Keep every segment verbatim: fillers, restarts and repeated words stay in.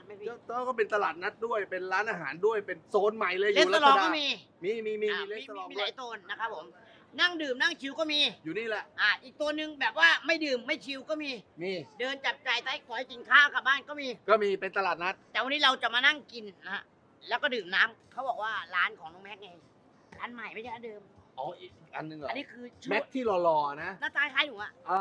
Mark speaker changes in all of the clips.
Speaker 1: ไหมพี่
Speaker 2: ก็เป็นตลาดนัดด้วยเป็นร้านอาหารด้วยเป็นโซนใหม่เลยอ
Speaker 1: เลส
Speaker 2: ยู่
Speaker 1: ต
Speaker 2: รั
Speaker 1: อ
Speaker 2: ช
Speaker 1: รอง
Speaker 2: ดา
Speaker 1: ก็มี
Speaker 2: มีมีมี
Speaker 1: อ่า
Speaker 2: มีเล
Speaker 1: มี
Speaker 2: สตอรอง
Speaker 1: มีห
Speaker 2: ด้ว
Speaker 1: ลาย ยโซนนะครับผมนั่งดื่มนั่งชิลก็มี
Speaker 2: อยู่นี่แหละ
Speaker 1: อ่าอีกตัวหนึ่งแบบว่าไม่ดื่มไม่ชิลก็มี
Speaker 2: มี
Speaker 1: เดินจับจ่ายใต้ขอยกินข้าวกลับบ้านก็มี
Speaker 2: ก็มีเป็นตลาดนัด
Speaker 1: แต่วันนี้เราจะมานั่งกินนะฮะแล้วก็ดื่มน้ำเขาบอกว่าร้านของน้องแม็กไงร้านใหม่ไม่ใช่ร้านเดิม
Speaker 2: อ๋ออีกอันหนึงเหรอ
Speaker 1: อันนี้คือชื่อ
Speaker 2: แม็กที่หล่อๆนะ
Speaker 1: หน้าตาคล้ายหนูอะ
Speaker 2: อ่า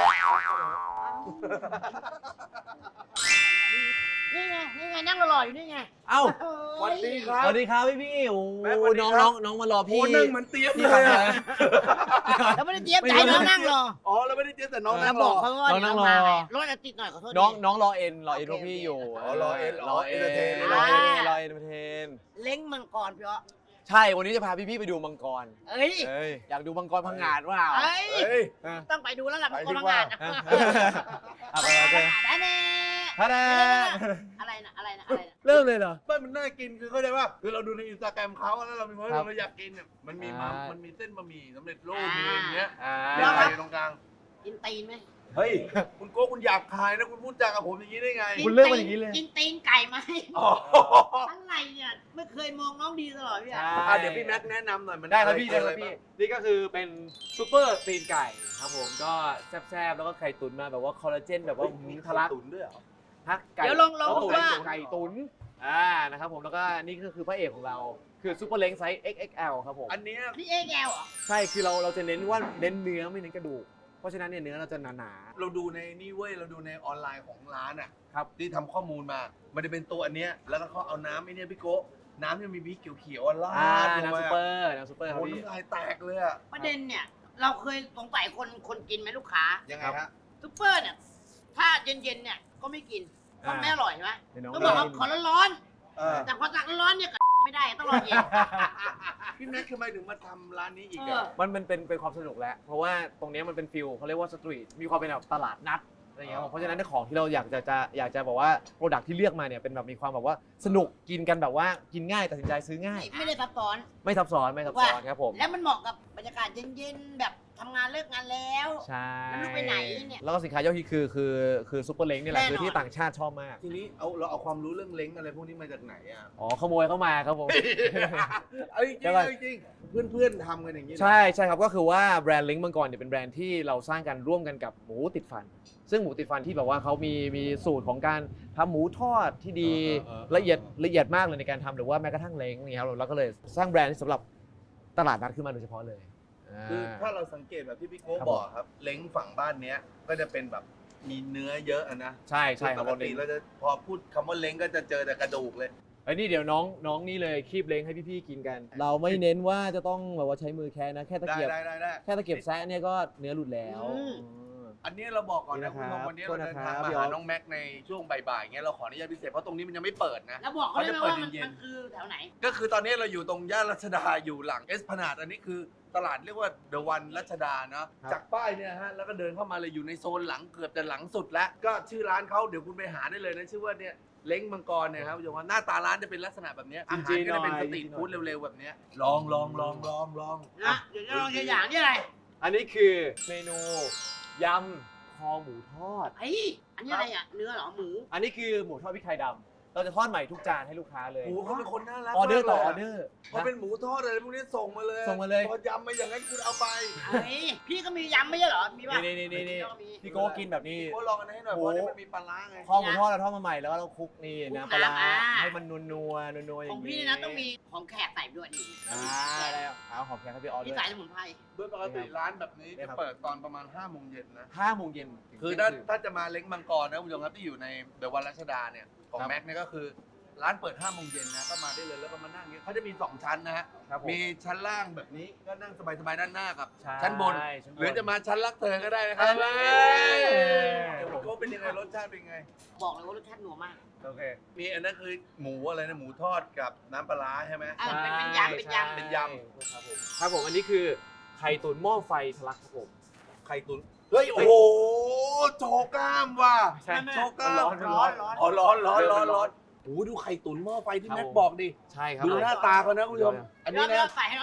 Speaker 1: นี่ไงนี่ไงนั่งหล่อๆอยู่นี่ไง
Speaker 3: เอ้า
Speaker 1: โอ้
Speaker 2: สวัส
Speaker 1: ย
Speaker 2: ดีครับ
Speaker 3: สวัสดีครับพี่พี่โอ้
Speaker 2: แม็กสวัสดี
Speaker 3: น้อง
Speaker 2: ครั
Speaker 3: น้อบ งน้องมารอพี่
Speaker 2: โอ้นั่งเหมือนเตรียม
Speaker 3: พี่
Speaker 2: เลย
Speaker 3: ขับ
Speaker 2: อะ
Speaker 3: มา
Speaker 1: แล้วไม่ได้เจี๊ยบใจน้องนั่งรอ
Speaker 2: อ๋อเราไม่ได้เตรียมแต่น้อง
Speaker 1: แล้
Speaker 2: นั่
Speaker 1: ว
Speaker 2: ง
Speaker 1: บ
Speaker 2: ร
Speaker 1: อก
Speaker 2: อ
Speaker 1: เขาว่า
Speaker 3: น้องนั่งรอ
Speaker 1: เดี๋ยวมาไงรถอาจติดหน่อยขอโทษ
Speaker 3: น้อง
Speaker 1: ที
Speaker 3: น้องรอเอ็นรอเอ็น
Speaker 1: โอ
Speaker 3: พ
Speaker 1: เค
Speaker 3: วกพี่อยู่
Speaker 2: อ๋อรอเอ็น
Speaker 3: รอเอ็น
Speaker 2: เอนเตอร์เทน
Speaker 3: รอเอ็น
Speaker 1: อ่า
Speaker 3: รอเอ็นเอนเตอร์เทน
Speaker 1: เล้งมังกรพี่อ๊อ
Speaker 3: ใช่วันนี้จะพาพี่พี่ไปดูมังกร
Speaker 1: เอ้ย
Speaker 3: เอ้ยอยากดูมังกรพังงาดว่า
Speaker 1: เอ้ย
Speaker 2: เฮ้ย
Speaker 1: ต้องไปดูแล้วล่ะมังกร
Speaker 2: ไปดี
Speaker 1: พัง
Speaker 2: กว่า
Speaker 1: งานนะ
Speaker 3: เอาไปโอเค
Speaker 1: ได้แน่
Speaker 3: ท่าดา
Speaker 1: อะไรนะอะไรนะอะไรนะ
Speaker 3: เริ่มเลยเหรอ
Speaker 2: ไม่มันน่ากินคือเข้าใจว่าคือเราดูในอินสตาแกรมเขาแล้วเรามีความ
Speaker 3: ครับ
Speaker 2: เราอยากกินเนี่ยมันมีมัม
Speaker 3: อ่ามั
Speaker 2: มันมีเส้นบะหมี่สำเร็จรูปมีอะไรอย่างเงี้ย
Speaker 3: อ่า
Speaker 2: มีอะไรตรงกลาง
Speaker 1: กินตีนไหม
Speaker 2: เฮ้ยคุณโก้คุณหยาบคายนะคุณพูดจากับผมอย่างนี้ได้ไง
Speaker 3: คุณเลือกมาอย่างนี้เลย
Speaker 1: กินตีนไก่ไหม
Speaker 2: อ๋อ
Speaker 1: อะไรเนี่ยไม่เคยมองน้องดีตลอดพี่อะ
Speaker 2: อ่ะเดี๋ยวพี่แม็กซ์แนะนำหน่อยมัน
Speaker 3: ได้ครับพี่
Speaker 2: อะ
Speaker 3: ได้
Speaker 2: ร
Speaker 3: ครับพี่
Speaker 2: บ้าง
Speaker 3: นี่ก็คือเป็นซูเปอร์ตีนไก่ครับผมก็แซ่บๆแล้วก็ไข่ตุ๋นมาแบบว่าคอลลาเจนแบบว่าหืมทะลัก
Speaker 2: ตุ๋นด้วยเหรอ
Speaker 3: ฮักไก่
Speaker 1: เดี๋ยวลองลองดู
Speaker 3: ตุ๋น
Speaker 1: ว่า
Speaker 3: ไก่ตุ๋นอ่านะครับผมแล้วก็นี่ก็คือพระเอกของเราคือซูเปอร์เล้งไซส์ เอ็กซ์ เอ็กซ์ แอล ครับผม
Speaker 2: อันเนี้ย
Speaker 1: นี่เอ็กแอลเหรอ
Speaker 3: ใช่คือเราเราจะเน้นว่าเน้นเนื้อไม่เน้นกระดูกเพราะฉะนั้นเนี่ยเนื้อเราจะหนา
Speaker 2: เราดูในนี่เว้ยเราดูในออนไลน์ของร้านอ่ะ
Speaker 3: ๆครับ
Speaker 2: ที่ทำข้อมูลมา มันจะเป็นตัวอันเนี้ยแล้วก็เขาเอาน้ำไอ้เนี่ยพี่โก้น้ำที่มีพริกเขียวๆอ่ะรา
Speaker 3: อ่า
Speaker 2: ดลง
Speaker 3: น้ำ
Speaker 2: ไป
Speaker 3: ซูเปอร์น้ำซูเปอร์ครับ
Speaker 2: โอ้
Speaker 3: พี่
Speaker 2: น้ำลายแตกเลยอ่ะ
Speaker 1: ประเด็นเนี่ย เราเคยสงสัยคนคนกินไหมลูกค้า
Speaker 2: ยังไงฮะ
Speaker 1: ซุปเปอร์เนี่ย ถ้าเย็นๆเนี่ยก็ไม่กินก็ไม่อร่อยใช่ไหม
Speaker 3: เดี๋ยวน้อง
Speaker 1: ต้องบอกว่า
Speaker 3: ได้
Speaker 1: ขอร้อน
Speaker 2: เออ
Speaker 1: ๆแต่พอตักร้อนๆเนี่ยก็ไม่ได้ต้องรอเย็น
Speaker 2: พี่แม็กซ์ทำไมถึงมาทำร้านนี้อีก
Speaker 1: เอ
Speaker 2: อ่ะ
Speaker 1: อ
Speaker 3: มันมันเป็นเป็นความสนุกแหละเพราะว่าตรงเนี้ยมันเป็นฟิลเขาเรียกว่าสตรีทมีความเป็นแบบตลาดนัดอะไรอย่างเงี้ยครับเพราะฉะนั้นในของที่เราอยากจะจะอยากจะบอกว่าโปรดักที่เลือกมาเนี่ยเป็นแบบมีความแบบว่าสนุกกินกันแบบว่ากินง่ายตัดสินใจซื้อง่าย
Speaker 1: ไม่ได้ซับซ้อน
Speaker 3: ไม่ซับซ้อนไม่ซับซ้อนครับผม
Speaker 1: แล้วมันเหมาะกับบรรยากาศเย็นๆแบบทำงานเลิกงานแล้ว
Speaker 3: ใช่
Speaker 1: แล้วลูกไปไหนเนี่ย
Speaker 3: แล้วก็สินค้ายอดฮิตคือคือคือซูเปอร์เล้งนี่แหละ
Speaker 1: แน่นอน
Speaker 3: คือที่ต่างชาติชอบมาก
Speaker 2: ทีนี้เอาเราเอาความรู้เรื่องเล้งอะไรพวกนี้มาจากไหนอ่ะ
Speaker 3: อ๋อขโมยเข้ามาครับผม
Speaker 2: เอ้ยจริง
Speaker 3: เดี๋ยวก่อน
Speaker 2: เอ้ยจริงเพื่อนเพื่อนๆทำกันอย่างนี้เหรอ
Speaker 3: ใช่ใช่ครับก็คือว่าแบรนด์เล้งมังกรเนี่ยเป็นแบรนด์ที่เราสร้างกันร่วมกันกับหมูติดฟัน ซึ่งหมูติดฟันที่แบบว่าเขามีมีสูตรของการทำหมูทอดที่ดีละเอียดละเอียดมากเลยในการทำหรือว่าแม้กระทั่งเล้งเนี่ยครับเราก็เลยสร้างแบรนด์สำหรับตลาดนัดขึ้นมาโดยเฉพาะเลยา
Speaker 2: คือถ้าเราสังเกตแบบที่พี่โก้
Speaker 3: ครับ
Speaker 2: บอกครับ เล้งฝั่งบ้านเนี้ยก็จะเป็นแบบมีเนื้อเยอะอะนะ
Speaker 3: ใช่ใช่ค
Speaker 2: ป
Speaker 3: รับ
Speaker 2: กติเราจะพอพูดคำว่าเล้งก็จะเจอแต่กระดูกเลย
Speaker 3: ไอ้ยนี่เดี๋ยวน้องน้องนี่เลยคีบเล้งให้พี่ๆกินกัน เราไม่เน้นว่าจะต้องแบบว่าใช้มือแค่นะแค่ตะ
Speaker 2: ได้
Speaker 3: เกียบ
Speaker 2: ได้ได้ได้
Speaker 3: แค่ตะเกียบแซะเนี่ยก็เนื้อหลุดแล้ว
Speaker 1: อืม
Speaker 3: อืม
Speaker 2: อันนี้เราบอกก่อน
Speaker 3: นี่
Speaker 2: นะ
Speaker 3: นะ
Speaker 2: คุณ
Speaker 3: ครั
Speaker 2: ผู้ช
Speaker 3: บ
Speaker 2: มวันนี้เราเดินทาง
Speaker 3: โทษนะครับ
Speaker 2: มา
Speaker 3: พี่อ
Speaker 2: หา
Speaker 3: อส
Speaker 2: น้องแม็กในช่วงบ่ายๆเงี้ยเราขออนุญาตพิเศษเพราะตรงนี้มันยังไม่เปิดนะ
Speaker 1: แล้วบอกเขาได้ไหมว่ามัน
Speaker 2: เขาจะเปิดเย็นๆ
Speaker 1: มันคือแถวไหน
Speaker 2: ก็คือตอนนี้เราอยู่ตรงย่านรัชดาอยู่หลังเอสพนาดอันนี้คือตลาดเรียกว่าเดอะวันรัชดาเนาะ
Speaker 3: ครับ
Speaker 2: จากป้ายเนี่ยฮะแล้วก็เดินเข้ามาเลยอยู่ในโซนหลังเกือบจะหลังสุดแล้ว ก็ชื่อร้านเขาเดี๋ยวคุณไปหาได้เลยนะชื่อว่าเนี่ยเล้งมังกรเนี่ยครับคุณผู้ชมว่าหน้าตาร้านจะเป็นลักษณะแบบเนี้ยอาหารก็จะเป็นสตรีทฟู้ดเร็วๆแบบเนี้ยลองลองลองลองลอง
Speaker 1: นะเดี๋ยวจะลองตัวอย่างนี่อะไร
Speaker 3: อันนี้คือเมนูยำคอหมูทอด
Speaker 1: ไอ้ยอันนี้อะไรอ่ะ เนื้อเหรอ หมู
Speaker 3: อันนี้คือหมูทอดพริกไทยดำเราจะทอดใหม่ทุกจานให้ลูกค้าเลย
Speaker 2: โอ้โหเขาเป็นคนน่ารัก
Speaker 3: ออเดอร์ต่ออ
Speaker 2: มาก
Speaker 3: อ
Speaker 2: ลยะ
Speaker 3: เดอร์
Speaker 2: พอเป็นหมูทอดอะไรพวกนี้ส่งมาเลย
Speaker 3: ส่งมาเลย
Speaker 2: พอยำมาอย่างนั้นคุณเอาไป
Speaker 1: เฮ้ย พี่ก็มียำไม่ใช่เหรอ มีป่ะ
Speaker 3: นี่นี่นี่นี่
Speaker 1: พี่ก็มี
Speaker 3: พี่โก้กินแบบนี้
Speaker 2: โอ้ลองอันนี้ให้หน่อย
Speaker 3: โอ้
Speaker 2: เพราะนี่มันมีปลาร้าไง
Speaker 3: คอหมูทอดเราทอดมาใหม่แล้วเราคลุกนี่
Speaker 1: คลุก
Speaker 3: น้ำปลาร้า
Speaker 1: น้ำอ่า
Speaker 3: ให้มันนัวนัวนัวนัวๆอ
Speaker 1: ขอย่าง
Speaker 3: ง
Speaker 1: พี่
Speaker 3: นี้
Speaker 1: นี่นะต้องมีของแขกใส่ด้วยนี่
Speaker 3: อ่าได้แล้วเอาหอมแขกให้พี่ออส
Speaker 1: นี่
Speaker 3: ด้วย
Speaker 1: ใส่สมุนไพร
Speaker 2: โดยปกติร้านแบบนี้
Speaker 3: นี่
Speaker 2: จะ
Speaker 3: ครับ
Speaker 2: เปิดตอนประมาณห้าโมงเย็นนะ
Speaker 3: ห้าโมงเย็นถึง
Speaker 2: คือ
Speaker 3: เที่
Speaker 2: ถ้าย
Speaker 3: งคืน
Speaker 2: ถ้าจะมาเล้งมังกรนะคุณผู้ชมครับที่อยู่ในเดอะวันรัชดาเนี่ยของ
Speaker 3: ครับ
Speaker 2: แม็กเนี่ยก็คือร้านเปิดห้าโมงเย็นนะก็มาได้เลยแล้วก็มานั่งอย่างเงี้ยเขาจะมีสองชั้นนะฮะ
Speaker 3: ครับผม
Speaker 2: มีชั้นล่างแบบนี้ก็นั่งสบายๆด้านหน้ากับ
Speaker 3: ใช่
Speaker 2: ชั้นบน
Speaker 3: ชั้นบน
Speaker 2: หรือจะมาชั้นรักเธอก็ได้นะครับ
Speaker 3: เอ้ย
Speaker 2: เดี๋ยวผมก็เป็นยังไงรสชาติเป็นยังไง
Speaker 1: บอกเลยว่ารสชาติหนัวมาก
Speaker 3: โอเค
Speaker 2: มีอันนั้นคือหมูอะไรนะหมูทอดกับน้ำปลาร้าใช่ไหม
Speaker 1: อ่ะเป็นเป็นยำเป็นยำ
Speaker 2: เป็นย
Speaker 3: ครับผมครับผมอันนี้คือไข่ตุ๋นหม้อไฟทะลักครับผม
Speaker 2: ไข่ตุ๋นเฮ้ยโอ้โหโชว์กล้ามว่ะ
Speaker 3: ใช่
Speaker 2: โชว์กล้าม
Speaker 3: ร้อนร้อน
Speaker 1: ร้อน
Speaker 2: อ๋อร้อนร้อนร้อน
Speaker 3: ร้
Speaker 2: ร้อ
Speaker 3: อน น
Speaker 2: โอ้โหดูไข่ตุ๋นหม้อไฟที่
Speaker 3: ครับ
Speaker 2: แม็ก
Speaker 3: ผม
Speaker 2: บอกดิ
Speaker 3: ใช่ครับ
Speaker 2: ดูหน้าตาเขานะคุณผู้ชม อันนี้
Speaker 1: เดี๋ยว
Speaker 2: นะ
Speaker 1: ใส่ให้น้องหน่อย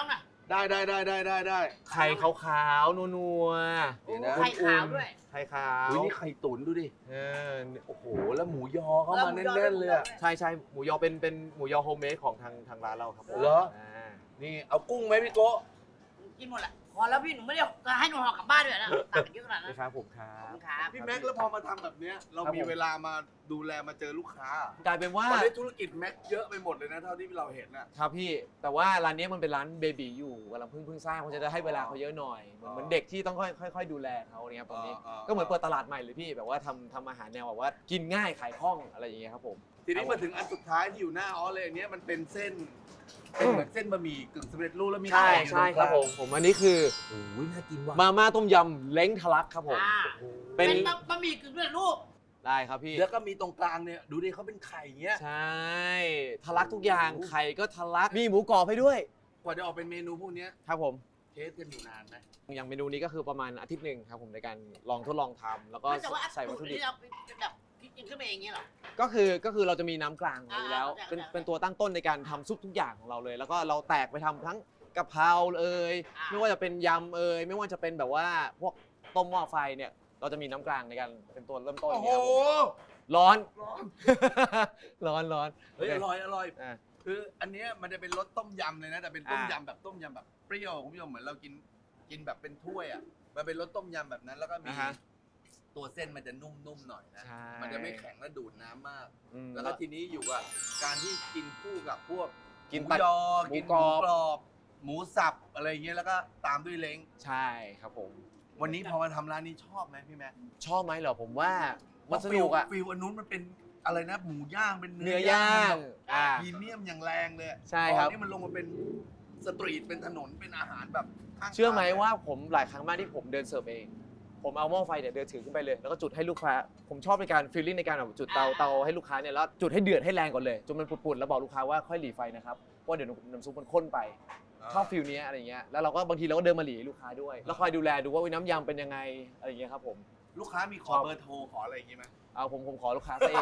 Speaker 2: ได้ได้ได้ได้ได้ได้
Speaker 3: ไข่ขาวๆนัว
Speaker 1: โอ้
Speaker 2: เดี๋ยวนะ
Speaker 1: ไข่ขาวด้วย
Speaker 3: ๆไข่ขาว
Speaker 2: อุ้ยนี่ไข่ตุ๋นดูดิ
Speaker 3: เออ
Speaker 2: โอ้โห แล้วหมูยอเข้ามาแน่นๆเลยอะ
Speaker 3: ใช่ใช่หมูยอเป็นเป็นหมูยอโฮมเมดของทางทางร้านเราครับผม
Speaker 2: เหรอ
Speaker 3: า
Speaker 2: นี่เอากุ้งไหมพี่โกะ
Speaker 1: กินหมดแหละพอแล้วพี่หนูไม่ได้จะให้หนูห่อกลับบ้านด้วยนะตักกันเยอะขนาดนั้น
Speaker 3: นะครับผมครั
Speaker 1: ขอบบ คุณครับ
Speaker 2: พี่แม็กซ์แล้วพอมาทำแบบเนี้ยเรา
Speaker 3: ครับ
Speaker 2: มี
Speaker 3: ผม
Speaker 2: เวลามาดูแลมาเจอลูกค้าก
Speaker 3: ลายเป็นว่า
Speaker 2: ตอนนี้ธุรกิจแม็กซ์เยอะไปหมดเลยนะเท่าที่เราเห็นน่ะ
Speaker 3: ครับพี่แต่ว่าร้านนี้มันเป็นร้านเบบีอยู่กำลังเพิ่งเพิ่งสร้างเพราะจะได้ให้เวลาเขาเยอะหน่อยเหมือน
Speaker 2: อ๋อ
Speaker 3: เหมือนเด็กที่ต้องค่อยค่อยๆดูแลเขาเนี่ยตอนนี้
Speaker 2: อ๋ออ๋อ
Speaker 3: ก็เหมือนเปิดตลาดใหม่เลยพี่แบบว่าทำทำอาหารแนวแบบว่ากินง่ายขายคล่องอะไรอย่างเงี้ยครับผม
Speaker 2: ทีนี้มาถึงอันสุดท้ายที่อยู่หน้าออสเลยอันเนี้ยมันเป็นเส้นเป็นเหมือนเส้นบะหมี่กึ่งสำเร็จรูปแล้วมี
Speaker 3: ใช่
Speaker 2: ไข่อยู่
Speaker 3: ใช่
Speaker 2: ตง
Speaker 3: ครับ
Speaker 2: กลาง
Speaker 3: ผมผมอันนี้คือ
Speaker 2: โอ้ยน่ากินว่ะ
Speaker 3: มาม่าต้มยำเล้งทะลักครับผม
Speaker 1: อ่า
Speaker 3: เป็
Speaker 1: เป็น นบะหมี่กึ่งสำเร็จรูป
Speaker 3: ได้ครับพี่
Speaker 2: แล้วก็มีตรงกลางเนี่ยดูดิเขาเป็นไข่เงี้ย
Speaker 3: ใช่ทะลักทุกอย่างไข่ก็ทะลักมีหมูกรอบให้ด้วย
Speaker 2: กว่าจะออกเป็นเมนูพวกเนี้ย
Speaker 3: ครับผม
Speaker 2: เทสกันอยู่นานไหม
Speaker 3: อย่างเมนูนี้ก็คือประมาณอาทิตย์หนึ่งครับผมในการลองทดลองทำแล้วก็
Speaker 1: แต่ว่า
Speaker 3: ใส่วัตถุดิบ
Speaker 1: ที่เราเป็นแบบคิดกินขึ้นมาเองเงี้ยเหรอ
Speaker 3: ก็คือก็คือเราจะมีน้ำกลางอยู่แล้ว
Speaker 1: อ่า
Speaker 3: เป็น
Speaker 1: เข้าใจ
Speaker 3: เป็นตัวตั้งต้นในการทำซุปทุกอย่างของเราเลย แล้วก็เราแตกไปทำทั้งกะเพราเอ่ย
Speaker 1: อ่า
Speaker 3: ไม่ว่าจะเป็นยำเอ่ยไม่ว่าจะเป็นแบบว่าพวกต้มหม้อไฟเนี่ยเราจะมีน้ำกลางในการเป็นตัวเริ่มต้น
Speaker 2: โอ้โห
Speaker 3: เนี่ยครับผมร้อน
Speaker 2: ร้อน
Speaker 3: ร้อนร้อน
Speaker 2: เฮ้ยอร่อยอร่อย
Speaker 3: อ่า
Speaker 2: คืออันเนี้ยมันจะเป็นรสต้มยำเลยนะแต่เป็นต้ม
Speaker 3: อ่าย
Speaker 2: ำแบบต้มยำแบบเปรี้ยวคุณผู้ชมเหมือนเรากินกินแบบเป็นถ้วยอ่ะมันเป็นรสต้มยำแบบนั้น แล้วก็มี
Speaker 3: อ่าฮะ
Speaker 2: ตัวเส้นมันจะนุ่มๆหน่อยนะ
Speaker 3: ใช่
Speaker 2: มันจะไม่แข็งและดูดน้ำมาก
Speaker 3: อืม
Speaker 2: แล้วก็ทีนี้อยู่กับการที่กินคู่กับพวก
Speaker 3: กิน
Speaker 2: หมู
Speaker 3: ตัด
Speaker 2: ยอ
Speaker 3: หมู
Speaker 2: กินห
Speaker 3: กร
Speaker 2: มู
Speaker 3: อบ
Speaker 2: กรอบ หมูสับอะไรอย่างเงี้ยแล้วก็ตามด้วยเล้ง
Speaker 3: ใช่ครับผม
Speaker 2: วันนี้พอมาทำร้านนี้ชอบไหมพี่แม่
Speaker 3: ชอบไหมเหรอผมว่ามันสนุกอะ
Speaker 2: ฟิลอันนู้นมันเป็นอะไรนะหมูย่างเป็น
Speaker 3: เนื้
Speaker 2: เนื้
Speaker 3: อย่าง
Speaker 2: แบบ
Speaker 3: อ่า
Speaker 2: พรีเมียมอย่างแรงเลย
Speaker 3: ใช่ครับ
Speaker 2: ตอนนี้มันลงมาเป็นสตรีทเป็นถนนเป็นอาหารแบบข้างทาง
Speaker 3: เชื่อไหมว่าผมหลายครั้งมากที่ผมเดินเสิร์ฟเอง ผมเอาหม้อไฟเนี่ยเดินถือขึ้นไปเลย แล้วก็จุดให้ลูกค้า ผมชอบในการฟีลลิ่งในการแบบจุดเตา
Speaker 1: อ่า
Speaker 3: เตาให้ลูกค้าเนี่ยแล้วจุดให้เดือดให้แรงก่อนเลยจนมันปุดๆแล้วบอกลูกค้าว่าค่อยหลีไฟนะครับเพราะเดี๋ยวน้ำซุปมันข้นไปชอบฟีลนี้ยอะไรเงี้ยแล้วเราก็บางทีเราก็เดินมาหลีให้ลูกค้าด้วย แล้วคอยดูแลดูว่าอุ๊ยน้ำยำเป็นยังไงอะไรเงี้ยครับผม
Speaker 2: ลูกค้ามีขอ
Speaker 3: ชอบ
Speaker 2: เบอร์โทรขออะไรอย่างงี้ไหม
Speaker 3: เอาผมผมขอลูกค้าซะเอง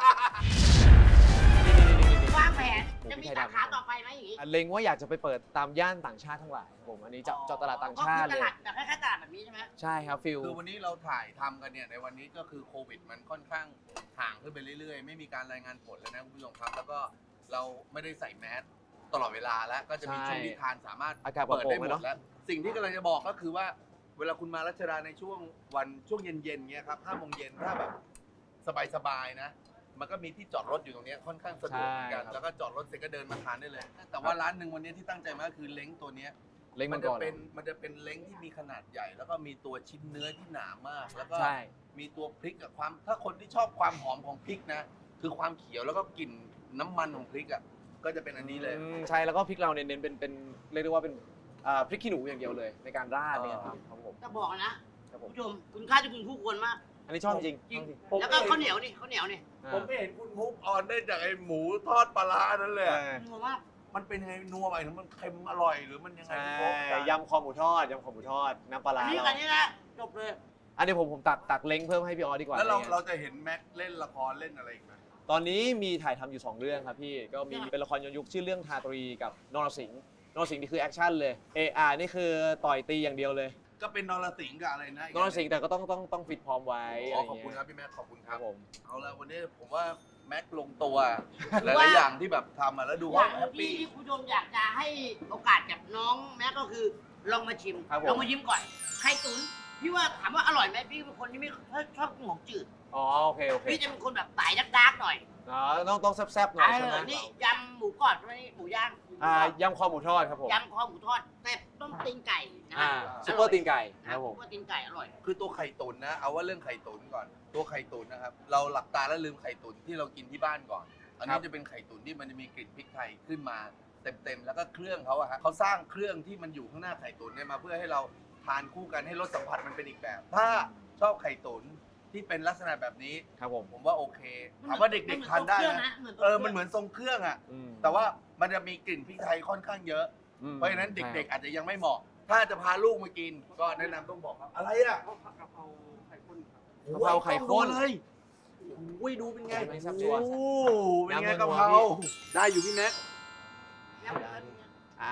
Speaker 1: วางแผนจะมีสาขาต่อไปไหมอย่างงี้
Speaker 3: อันเล็งว่าอยากจะไปเปิดตามย่านต่างชาติทั้งหลายครับผมอันนี้เจาะเจาะตลาดต่างชาติ
Speaker 1: ก็
Speaker 3: เล
Speaker 1: คือย ตลาดแบบคล้ายๆตลาดแบบนี้ใช่ไหม
Speaker 3: ใช่ครับฟิล
Speaker 2: คือวันนี้เราถ่ายทำกันเนี่ยในวันนี้ก็คือโควิดมันค่อนข้างห่างขึ้นไปเรื่อยๆ ไม่มีการรายงานผลแล้วนะคุณผู้ชมครับ แล้วก็เราไม่ได้ใส่แมสตลอดเวลาแล้วก็จะมีช่วงที่ทานสามารถ
Speaker 3: อากาศปลอด
Speaker 2: เปิด
Speaker 3: โปร่
Speaker 2: ได้
Speaker 3: ง
Speaker 2: ห
Speaker 3: ไหม
Speaker 2: ม
Speaker 3: เนาะ
Speaker 2: ดแล้วสิ่งที่กำลังจะบอกก็คือว่าเวลาคุณมารัชดาในช่วงวันช่วงเย็นๆเงี้ยครับห้าโมงเย็นถ้าแบบสบายๆนะ มันก็มีที่จอดรถอยู่ตรงเนี้ยค่อนข้างสะดวกเหมือนกัน
Speaker 3: ใช่ครับ
Speaker 2: แล้วก็จอดรถเสร็จก็เดินมาทานได้เลย แต่ว่าร้านหนึ่งวันนี้ที่ตั้งใจมาก็คือเล้งตัวเนี้ย
Speaker 3: เล็ง
Speaker 2: มั
Speaker 3: มัน น
Speaker 2: จะ
Speaker 3: ก่อน
Speaker 2: เป็นมันจะเป็นเล้งที่มีขนาดใหญ่ แล้วก็มีตัวชิ้นเนื้อที่หนามาก แล้วก็
Speaker 3: ใช่
Speaker 2: มีตัวพริกกับความถ้าคนที่ชอบความหอมของพริกนะ คือความเขียวแล้วก็กลิ่นน้ำมันของพริกอ่ะก็จะเป็นอันนี้เลย
Speaker 3: อืมใช่แล้วก็พริกเราเน้นๆเป็นเป็นเรียกได้ว่าเป็นอ่าพริกขี้หนูอย่างเดียวเลย ในการราดเนี่ยครับครับผม
Speaker 1: จะบอกนะครับ
Speaker 3: ผม
Speaker 1: ผู้ชมคุณค่าที่คุณคู่ควรมาก
Speaker 3: อันนี้ชอบจริง
Speaker 1: จริง
Speaker 3: ชอบ
Speaker 1: แล้วก็ข้าวเหนียวนี่ข้าวเหนียวนี่
Speaker 3: อ่า
Speaker 2: ผมไม่เห็นคุณมุกออนได้จากไอ้หมูทอดปลาร้านั้นเลยอะ
Speaker 3: อ่า
Speaker 1: นัวมาก
Speaker 2: มันเป็นยังไงนัวไปหรือมันเค็มอร่อยหรือมันยังไง
Speaker 3: ใช่
Speaker 2: พี่โบ๊ท
Speaker 3: ยำคอหมูทอดยำคอหมูทอดน้ำปลา
Speaker 1: อั
Speaker 3: ร้าน
Speaker 1: นี้
Speaker 3: เรา
Speaker 1: อันนี้นะจบเลย
Speaker 3: อันนี้ผมผมตักตักเล้งเพิ่มให้พี่ออสดีกว่า
Speaker 2: แล้วเรา
Speaker 3: อะไร
Speaker 2: เรา
Speaker 3: เงี้ย
Speaker 2: จะเห็นแม็กเล่นละครเล่นอะไรอีกไหม
Speaker 3: ตอนนี้มีถ่ายทำอยู่สองเรื่องครับพี่ก็มีเป็นละครย้อนยุคชื่อเรื่องทาตรีกับนรสิงห์นรสิงห์นี่คือแอคชั่นเลยเออาร์นี่คือต่อยตีอย่างเดียวเลย
Speaker 2: ก็เป็นนรสิงห์กับอะไรนะ
Speaker 3: นรสิงห์แต่ก็ต้องต้องต้องฟิตพร้อมไว้
Speaker 2: อ๋
Speaker 3: อะ
Speaker 2: อ
Speaker 3: ไร
Speaker 2: ขอบคุณ
Speaker 3: เงี้ย
Speaker 2: ครับพี่แม็กขอบคุณค
Speaker 3: ค
Speaker 2: รั
Speaker 3: รั
Speaker 2: บบ
Speaker 3: ผม
Speaker 2: เอาละวันนี้ผมว่าแม็กลงตัวหลายๆอย่างที่แบบทำมาแล้วดู
Speaker 1: อ
Speaker 2: ว่า
Speaker 1: ย่าง
Speaker 2: แฮป
Speaker 1: ที่
Speaker 2: ปี้
Speaker 1: ที่คุณผู้ชมอยากจะให้โอกาสกับน้องแม็กก็คือลองมาชิม
Speaker 3: ครับผม
Speaker 1: ลองมายิ้มก่อนไข่ตุ๋นพี่ว่าถามว่าอร่อยไหมพี่เป็นคนที่ไม่ชอบกินของจืด
Speaker 3: อ๋อโอเคโอเค
Speaker 1: พี่จะเป็นคนแบบสายดาร์กๆหน่อย
Speaker 3: อ๋อต้องต้องแซ่บๆหน่อย
Speaker 1: เอ
Speaker 3: ใช่ไหม
Speaker 1: อนี่ยำหมูกรอบใช่ไหมนี่หมูย่าง
Speaker 3: อ่ายำคอหมูทอดครับผม
Speaker 1: ยำคอหมูทอดแต่ต้มตีนไก่นะ
Speaker 3: อ่าซุปเปอร์ตีนไก่
Speaker 1: นะ
Speaker 3: ครับ
Speaker 1: ซุ
Speaker 3: ผ
Speaker 1: ป
Speaker 3: ม
Speaker 1: เปอร์ตีนไก่อร่อย
Speaker 2: คือตัวไข่ตุ๋นนะ เอาว่าเรื่องไข่ตุ๋นก่อน ตัวไข่ตุ๋นนะครับ เราหลับตาแล้วลืมไข่ตุ๋นที่เรากินที่บ้านก่อน อันนี้จะเป็นไข่ตุ๋นที่มันจะมีกลิ่นพริกไทยขึ้นมาเต็มๆ แล้วก็เครื่องเขาอะฮะเขาสร้างเครื่องที่มันอยู่ข้างหน้าไข่ตุ๋นเนี่ยมาเพื่อให้เราทานคู่กันให้รสสัมผัสมันเป็นอีกแบบ ถ้าชอบไข่ตุ๋นที่เป็นลักษณะแบบนี้
Speaker 3: ครับผม
Speaker 2: ผมว่าโอเค ถามว่าเด็กๆทานได้นะ
Speaker 1: เหมือน
Speaker 2: เออ มันเหมือนทรงเครื่องอะ
Speaker 3: อืม
Speaker 2: แต่ว่ามันจะมีกลิ่นพริกไทยค่อนข้างเยอะ
Speaker 3: อืม
Speaker 2: เพราะฉะนั้นเด็กๆอาจจะยังไม่เหมาะ ถ้าจะพาลูกมากิน ก็แนะนำต้องบอกครับ อะไรอ่ะ
Speaker 3: กะเพราไข่ข้น
Speaker 2: เลยโอ้ยดูเป็นไง
Speaker 3: ไม่ทราบตัว
Speaker 2: โอ้เป็นไง
Speaker 3: น้ำมัน
Speaker 2: กะเพรา
Speaker 3: นัวพี่
Speaker 2: ได้อยู่พี่แม็ก
Speaker 1: ยำเนื้อ
Speaker 3: อ่ะ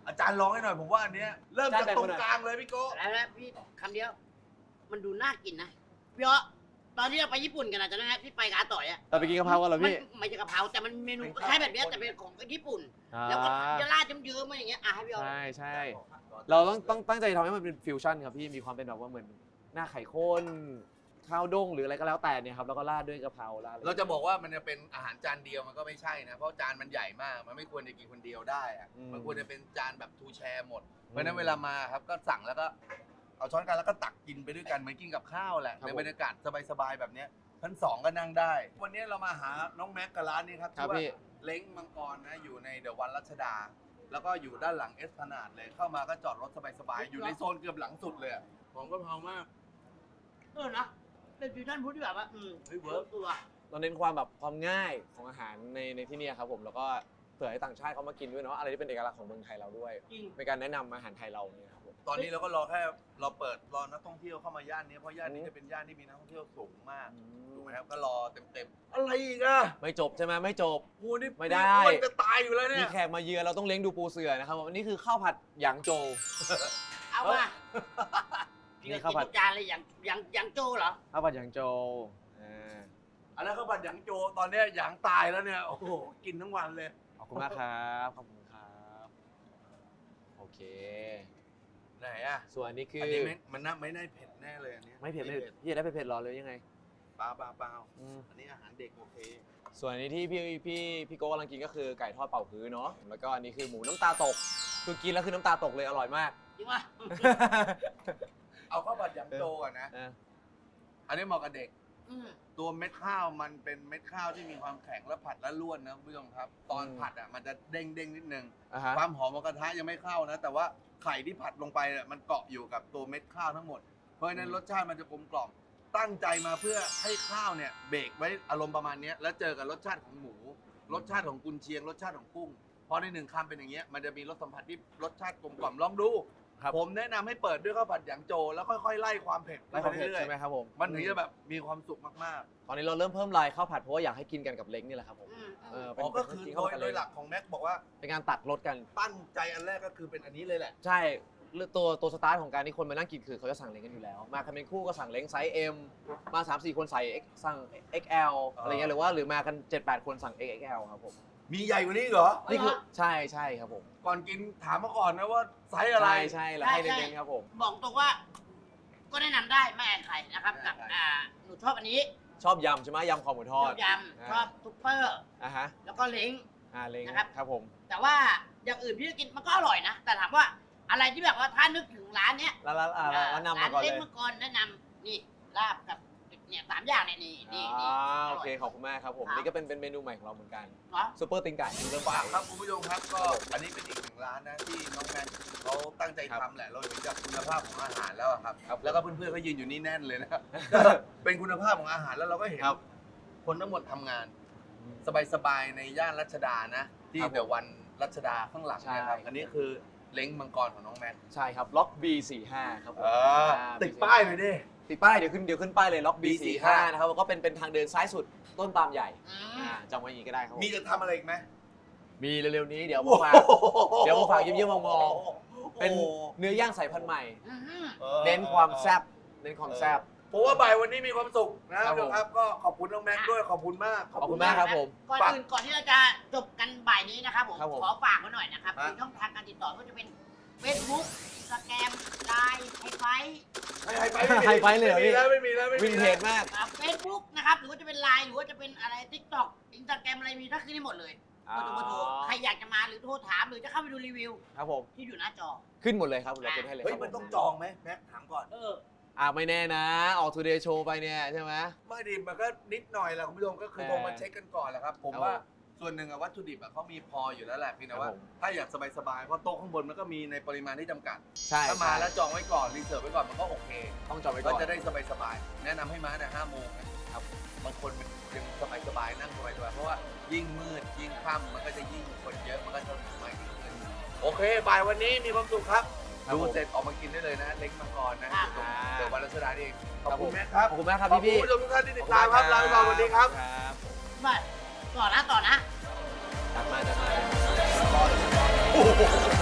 Speaker 2: อาจารย์ลองให้หน่อยผมว่าอันเนี้ยเริ่มจากตรงกลางเลยพี่โก้
Speaker 1: แล้วนะพี่คำเดียว มันดูน่ากินนะพี่อ๋อตอนที่เราไปญี่ปุ่นกันนะจำได้ไหมพี่ไปกับอาต่อยอะ
Speaker 3: เราไปกินกะเพรากันเหรอพี่
Speaker 1: มันไม่ใช่กะเพราแต่มันเมนูคล้ายแบบเนี้ยแต่เป็นของญี่ปุ่น
Speaker 3: อ่า
Speaker 1: แล้วก็จะราดเยิ้มๆมาอย่างเงี้ยอ่ะให้พี่อ๋อ
Speaker 3: ใช่ใช่เราต้องต้องตั้งใจทำให้มันเป็นฟิวชั่นครับพี่มีความเป็นแบบว่าเหมือนหน้าไข่ข้นข้าวด้งหรืออะไรก็แล้วแต่เนี่ยครับแล้วก็ราดด้วยกะเพราราดอไ
Speaker 2: เราจะบอกว่ามันจะเป็นอาหารจานเดียวมันก็ไม่ใช่นะเพราะจานมันใหญ่มากมันไม่ควรจะกินคนเดียวได้อะ
Speaker 3: อืม
Speaker 2: มันควรจะเป็นจานแบบทูแชร์หมดเพราะฉะนั้นเวลามาครับก็สั่งแล้วก็เอาช้อนกันแล้วก็ตักกินไปด้วยกันเหมือนกินกับข้าวแหละในบรรยากาศสบายๆแบบเนี้ยชั้นสองก็นั่งได้ วันนี้เรามาหาน้องแม็กกับร้านนี้ครับ
Speaker 3: ครับ
Speaker 2: ชื่อว่า
Speaker 3: พี่
Speaker 2: เล้งมังกรนะอยู่ในเดอะวันรัชดา แล้วก็อยู่ด้านหลังเอสพนาดเลยเข้ามาก็จอดรถสบายๆอยู่ในโซนเกือบหลังสุดเลยอะของก็เพรามาก
Speaker 1: เออนะเป็นฟิวชั่นฟู้ดที่แบบว่าอืม
Speaker 2: เฮ้ยเวิร์ก
Speaker 1: ตัว
Speaker 3: เราเน้นความแบบความง่ายของอาหารในในที่เนี่ยครับผมแล้วก็เผื่อให้ต่างชาติเขามากินด้วยเนาะอะไรที่เป็นเอกลักษณ์ของเมืองไทยเราด้วย
Speaker 1: จริง
Speaker 3: เป็นการแนะนำอาหารไทยเราเนี่ยครับผม
Speaker 2: ตอนนี้เราก็รอแค่เราเปิดรอนักท่องเที่ยวเข้ามาย่านนี้เพราะย่านนี้จะเป็นย่านที่มีนักท่องเที่ยวสูงมากถูกไหมครับก็รอเต็มๆอะไรอีกอะ
Speaker 3: ไม่จบใช่ไหมไม่จบ
Speaker 2: โอ้นี่
Speaker 3: ไม่ได้
Speaker 2: มันจะตายอยู่แล้วเนี่
Speaker 3: มี
Speaker 2: ย
Speaker 3: แขกมาเยือนเราต้องเลี้ยงดูปูเสือนะครับผมอันนี้คือข้าวผัดหยางโจว
Speaker 1: เอามา
Speaker 3: นี่
Speaker 1: นี่
Speaker 3: ข้า
Speaker 1: ข้าว ว
Speaker 3: ผั
Speaker 1: ผั
Speaker 3: ด
Speaker 1: ดจานเลยอย่างอย่างอย่างโจเหรอ
Speaker 3: ข้าวผัดหยางโจวอ่า
Speaker 2: อันนั้นเขาผัดหยางโจตอนเนี้ยหยางตายแล้วเนี่ยโอ้โหกินทั้งวันเลย
Speaker 3: ขอบคุณมากครับขอบคุณครับโอเค
Speaker 2: ไหนอะ
Speaker 3: ส่วนอันนี้คือ
Speaker 2: อั
Speaker 3: อั
Speaker 2: นนี้ไม่มันน่าไม่ได้เผ็ดแน่เลยอันเนี้ย
Speaker 3: ไม่เผ็ดไม่เผ็ดพี่จะได้เผ็ดๆหรอเลยยังไง
Speaker 2: เปล่าเปล่าเปล่า
Speaker 3: อืม
Speaker 2: อันนี้อาหารเด็กโอเค
Speaker 3: ส่วนอันนี้ที่พี่พี่พี่โก้กำลังกินก็คือไก่ทอดเป่าฮื้อเนาะแล้วก็อันนี้คือหมูน้ำตาตกคือกินแล้วคือน้ำตาตกเลยอร่อยมาก
Speaker 1: จริงป่ะ
Speaker 2: เอาข้าวผัดหยางโจก่อนนะ
Speaker 3: อ่ะ
Speaker 2: อันนี้เหมาะกับเด็ก
Speaker 1: อืม
Speaker 2: ตัวเม็ดข้าวมันเป็นเม็ดข้าวที่มีความแข็งและผัดและร่วนนะคุณผู้ชมครับ ตอนผัดอ่ะมันจะเด้งเด้งๆนิดนึง
Speaker 3: อ่ะฮะ
Speaker 2: ความหอมของกระทะยังไม่เข้านะ แต่ว่าไข่ที่ผัดลงไปเนี่ยมันเกาะอยู่กับตัวเม็ดข้าวทั้งหมด เพราะฉะนั้นรสชาติมันจะกลมกล่อม ตั้งใจมาเพื่อให้ข้าวเนี่ยเบรกไว้อารมณ์ประมาณเนี้ยแล้วเจอกับรสชาติของหมู รสชาติของกุนเชียง รสชาติของกุ้งพอในหนึ่งคำเป็นอย่างเงี้ยมันจะมีรสสัมผัสที่รสชาติกลมกล่อมลองดู
Speaker 3: ครับ
Speaker 2: ผมแนะนำให้เปิดด้วยข้าวผัดหยางโจ แล้วค่อยๆไล่ความเผ็ด
Speaker 3: ไล่ความเผ็ด
Speaker 2: รื่อย
Speaker 3: ใช่ไหมครับผม
Speaker 2: ๆมันถึงจะแบบมีความสุขมาก
Speaker 3: ตอนนี้เราเริ่มเพิ่มลายข้าวผัดเพราะว่าอยากให้กินกันกับเล้งนี่แหละครับผม
Speaker 1: อืม
Speaker 3: เออ
Speaker 2: ๆ
Speaker 3: เป็
Speaker 2: อ๋
Speaker 3: น
Speaker 2: อก็คือ
Speaker 3: กิน
Speaker 2: โด
Speaker 3: ข้าวย ผัดกับ
Speaker 2: โด
Speaker 3: เล้
Speaker 2: ย
Speaker 3: ง
Speaker 2: หลักของแม็กบอกว่า
Speaker 3: เป็นการตัดรสกัน
Speaker 2: ตั้งใจอันแรกก็คือเป็นอันนี้เลยแหละ
Speaker 3: ใช่เรื่องตัวตัวสตาร์ทของการที่คนมานั่งกินคือเขาจะสั่งเล้งกันอยู่แล้ว มากันเป็นคู่ก็สั่งเล้งไซส์ M มา สามสี่ คนใส่ X สั่ง เอ็กซ์ แอล อะไรเงี้ยหรือว่าหรือมากัน เจ็ดแปด คนสั่ง เอ็กซ์ แอล ครับผม
Speaker 2: มีใหญ่กว่านี้อีกเหรอ
Speaker 3: นี่คือใช่ใช่ครับผม
Speaker 2: ก่อนกินถามมาก่อนนะว่าไซส์อะไร
Speaker 3: ใช่ใช่แล้วให้เน้นๆครับผม
Speaker 1: บอกตรงว่า ก็แนะนำได้ไม่อายใครนะครับกับ
Speaker 2: ไม่อายใคร
Speaker 1: อ่าหนูชอบอันนี้
Speaker 3: ชอบยำใช่ไหมยำคอหมูท
Speaker 1: ช
Speaker 3: อ
Speaker 1: อ
Speaker 3: ด
Speaker 1: บยำชอบซุปเปอร์
Speaker 3: อ่ะฮะ
Speaker 1: แล้วก็เล้ง
Speaker 3: อ่าเล้ง
Speaker 1: นะครับ
Speaker 3: ครับผม
Speaker 1: แต่ว่าอย่างอื่นพี่ก็กินมันก็อร่อยนะ แต่ถามว่าอะไรที่แบบว่าถ้านึกถึงร้านเนี้ย
Speaker 3: แล้วแล้วอ่าแล้วนำมาก่อน
Speaker 1: ร้าน
Speaker 3: เล
Speaker 1: เล้
Speaker 3: ย
Speaker 1: งมังกรแนะนำนี่ลาบกับเนี่ยสามอย่างเนี่ยนี่นี่นี่
Speaker 3: อ่า
Speaker 1: อ
Speaker 3: โอ
Speaker 1: ร่อย
Speaker 3: เคขอบคุณมากครับผม
Speaker 1: ครับ
Speaker 3: นี่ก็เป็นเป็นเมนูใหม่ของเราเหมือนกัน
Speaker 1: เนาะ
Speaker 3: ซูเปอร์ติงไก่เริ่ม
Speaker 2: ฝา
Speaker 3: ฝาก ก
Speaker 2: ครับคุณผู้ชมครับก็อันนี้เป็นอีกหนึ่งร้านนะที่น้องแมนเขาตั้งใจ
Speaker 3: ครับ
Speaker 2: ทำแหละเราเห็นจากคุณภาพของอาหารแล้วอะครับ
Speaker 3: ครับ
Speaker 2: แล้วก็เพื่อนๆเขายืนอยู่นี่แน่นเลยนะครับ เป็นคุณภาพของอาหารแล้วเราก็เห็น
Speaker 3: ครับ
Speaker 2: คนทั้งหมดทำงาน สบายๆในย่านรัชดานะ ที่
Speaker 3: ครับผม
Speaker 2: เดอะวันรัชดาข้างหลังนะครับ
Speaker 3: ใช่
Speaker 2: อันนี้คือเล้งมังกรของน้องแมน
Speaker 3: ใช่ครับล็อก บี สี่สิบห้า ครับผม
Speaker 2: เออ
Speaker 3: อ่า
Speaker 2: ติดป้ายหน่อยดิ
Speaker 3: ติดป้ายเดี๋ยวขึ้นเดี๋ยวขึ้นป้ายเลยล็อก บี สี่สิบห้า
Speaker 2: บี สี่สิบห้า
Speaker 3: นะครับแล้วก็เป็นเป็นทางเดินซ้ายสุดต้นปาล์มใหญ่
Speaker 1: อืม
Speaker 3: อ่าจำไว้อย่างนี้ก็ได้ครับผม
Speaker 2: มีจะทำอะไรอีกไหม
Speaker 3: มีเร็วๆนี้เดี๋ยวมาฝาก เดี๋ยวมาฝากเยี่ยมๆมอง เป็นเนื้อย่างสายพันธุ์ใหม่
Speaker 1: อืม
Speaker 2: ออ
Speaker 3: เน้นความแซ่บเน้นความแซ่บ
Speaker 2: ผมว่าบ่ายวันนี้มีความสุขนะครับ
Speaker 3: ผม
Speaker 2: ครับ ก็ขอบคุณน้องแม็กซ์ด้วยขอบคุณมาก
Speaker 3: ขอบคุณมากครับผม
Speaker 1: ก่อนอื่นก่อนที่เราจะจบกันบ่ายนี้นะครับผม
Speaker 3: ครับผม
Speaker 1: ขอฝากไว้หน่อยนะครับ
Speaker 2: ฮะ
Speaker 1: มีช่องทางการติดต่อก็จะเป็น Facebook สแกมไลน์ไฮไฟ
Speaker 2: ไฮไฟ
Speaker 3: ไฮไฟเลยเหรอ
Speaker 2: ไม่มี
Speaker 3: พี่
Speaker 2: แล้วไม่มีแล้วไม่มี
Speaker 3: วินเท
Speaker 2: แล้ว
Speaker 3: จมาก
Speaker 1: เฟซบุ๊กนะครับหรือว่าจะเป็นไลน์หรือว่าจะเป็นอะไรทิกตอกอินสตาแกรมอะไรมีถ้าขึ้นได้หมดเลยเบอร์โทรเบอร์โทรใครอยากจะมาหรือโทรถามหรือจะเข้าไปดูรีวิว
Speaker 3: ครับผม
Speaker 1: ที่อยู่หน้าจอ
Speaker 3: ขึ้นหมดเลยครับเราเป็นให้เลย
Speaker 2: เฮ้ย
Speaker 3: ครับ
Speaker 2: มัน
Speaker 3: ผ
Speaker 2: ต้องจองไหมแม็กซ์ถามก่อน
Speaker 1: เออ
Speaker 3: อ่าไม่แน่นะ ออกทูเดย์โชว์ไปเนี่ยใช่ไหม
Speaker 2: ไม่ดีมันก็นิดหน่อยแหละคุณผู้ชมก็คือ
Speaker 3: เออ
Speaker 2: โทรมาเช็คกันก่อนแหละครับ ผม
Speaker 3: ครับ
Speaker 2: ว่าส่วนหนึ่งอะวัตถุดิบอะเขามีพออยู่แล้วแหละเพียงแต่ว่า
Speaker 3: ครับผม
Speaker 2: ถ้าอยากสบายๆเพราะโต๊ะข้างบนมันก็มีในปริมาณที่จำกัด
Speaker 3: ใช่
Speaker 2: ถ้ามา
Speaker 3: ใช่
Speaker 2: แล้วจองไว้ก่อนรีเสิร์ฟไว้ก่อนมันก็โอเค
Speaker 3: ต้องจองไว้ก่
Speaker 2: ก็
Speaker 3: อน
Speaker 2: จะได้สบายๆแนะนำให้มาแต่ห้าโมงนะครับบางคนมันยังสบายๆนั่งสบายๆเพราะว่ายิ่งมืดยิ่งค่ำมันก็จะยิ่งคนเยอะมันก็จะไม่ถึงขึ้นโอเคบ่ายวันนี้มีความสุขครับ
Speaker 3: ครับ
Speaker 2: ดู
Speaker 3: ผม
Speaker 2: เสร็จออกมากินได้เลยนะเล้งมังกรนะ
Speaker 1: ครับ
Speaker 2: ตรงเดอะวันรัชดานี่เองขอบ
Speaker 3: ครับ
Speaker 2: คุ
Speaker 3: ผ
Speaker 2: ณ
Speaker 3: ม
Speaker 2: แม็กครับ
Speaker 3: ขอบคุณมากครับ
Speaker 2: ขอบ
Speaker 3: พี่
Speaker 2: คุณ
Speaker 3: พี่
Speaker 2: ผู้ชมทุกท่านที่ติดตามครับลาไปก่อนสวัสดีครับ
Speaker 3: ครับ
Speaker 1: ไปต่อนะต่อนะ
Speaker 3: จัดมาจัดมา
Speaker 2: โอ้โห